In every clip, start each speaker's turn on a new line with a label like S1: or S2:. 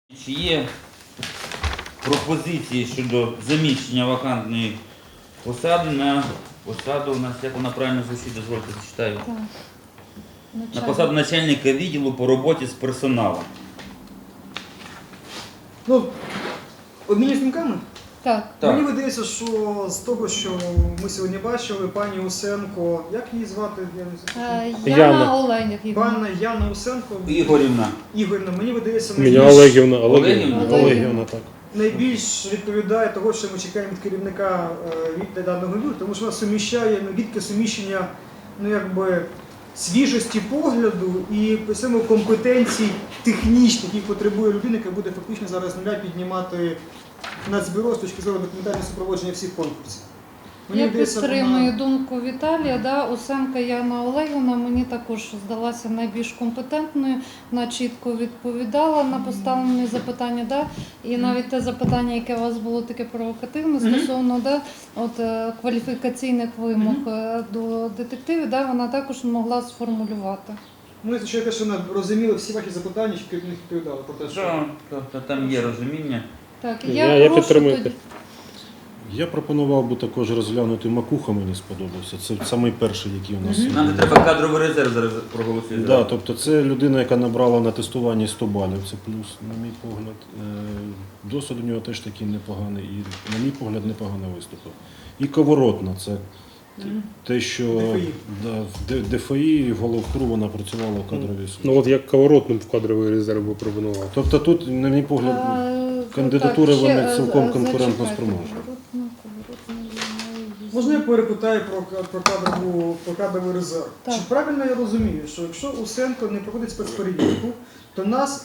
S1: Чи є пропозиції щодо заміщення вакантної посади на посаду, у нас, як вона правильно звучить, дозвольте, зачитаю.
S2: Так.
S1: На посаду начальника відділу по роботі з персоналом.
S3: Ну, обмінюсь думками?
S2: Так.
S1: Так.
S3: Мені видається, що з того, що ми сьогодні бачили, пані Усенко, як її звати?
S2: Яна Олегівна.
S3: Пана Яна Усенко,
S1: Ігорівна.
S3: Ігорівна, мені видається,
S4: Меня Олегівна,
S1: Олегівна.
S4: Олегівна, так.
S3: найбільш відповідає того, що ми чекаємо від керівника від даного відділу, тому що вона суміщає, відки суміщення, свіжості погляду і при цьому компетенцій технічних, які потребує людина, яка буде фактично зараз з нуля піднімати Нацбюро з точки зору документального супроводження всіх конкурсів.
S2: Я підтримую думку Віталія. Усенка Яна Олегівна мені також здалася найбільш компетентною, вона чітко відповідала на поставлені запитання. І навіть те запитання, яке у вас було таке провокативне, стосовно кваліфікаційних вимог до детективів, вона також могла сформулювати.
S3: Ну, що те, що вона розуміла всі ваші запитання, що керівник відповідала про те, що...
S1: Там є розуміння.
S2: Так,
S4: Я підтримую.
S2: тоді...
S5: Я пропонував би також розглянути Макуха, мені сподобався. Це самий перший, який у нас.
S1: Нам не треба кадровий резерв зараз проголосувати.
S5: Да, тобто це людина, яка набрала на тестуванні 100 балів, це плюс, на мій погляд. Досвід у нього теж такий непоганий і, на мій погляд, непогано виступив. І Коворотна, це те, що в ДФІ і в головкру вона працювала в кадровій службі.
S4: Ну от як Коворотну в кадровий резерв би пропонував.
S5: Тобто тут, на мій погляд, кандидатури вони цілком конкурентно спроможні.
S3: Можна я перепитаю про кадровий резерв?
S2: Так.
S3: Чи правильно я розумію, що якщо Усенко не проходить спецперевірку, то нас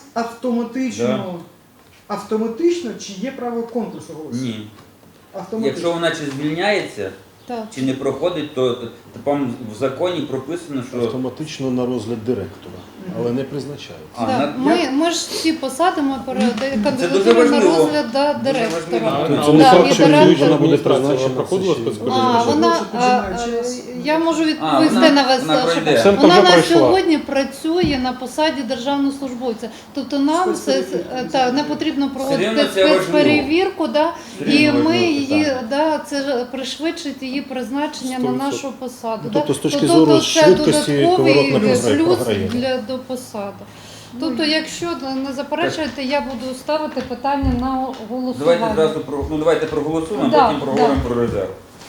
S3: автоматично чи є право конкурсу голосу?
S1: Ні.
S3: Автоматично.
S1: Якщо вона чи звільняється, чи не проходить, то там в законі прописано, що...
S5: Автоматично на розгляд директора, але не призначається.
S2: Ми ж всі посадимо
S1: дуже
S2: кандидатуру на
S1: важливо.
S2: розгляд директора.
S5: Це не факт, що вона буде
S4: Адміністрація
S5: призначена.
S4: проходила спецперевірку.
S2: Я можу відповісти на вас. Вона на сьогодні працює на посаді державного службовця. Тобто нам не потрібно проводити спецперевірку, і ми її, це пришвидшить її призначення на нашу посаду.
S5: Тобто з точки зору швидкості Коворотна програє.
S2: До посади. Тобто, якщо не заперечуєте, я буду ставити питання на голосування.
S1: Давайте проголосуємо, а потім проговоримо про резерв.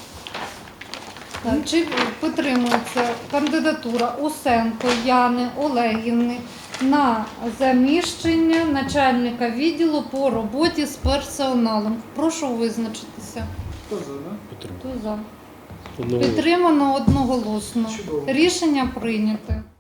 S2: Чи підтримується кандидатура Усенко Яни Олегівни на заміщення начальника відділу по роботі з персоналом? Прошу визначитися.
S3: Хто за,
S2: Хто за? Підтримано одноголосно.
S3: Чудово.
S2: Рішення прийнято.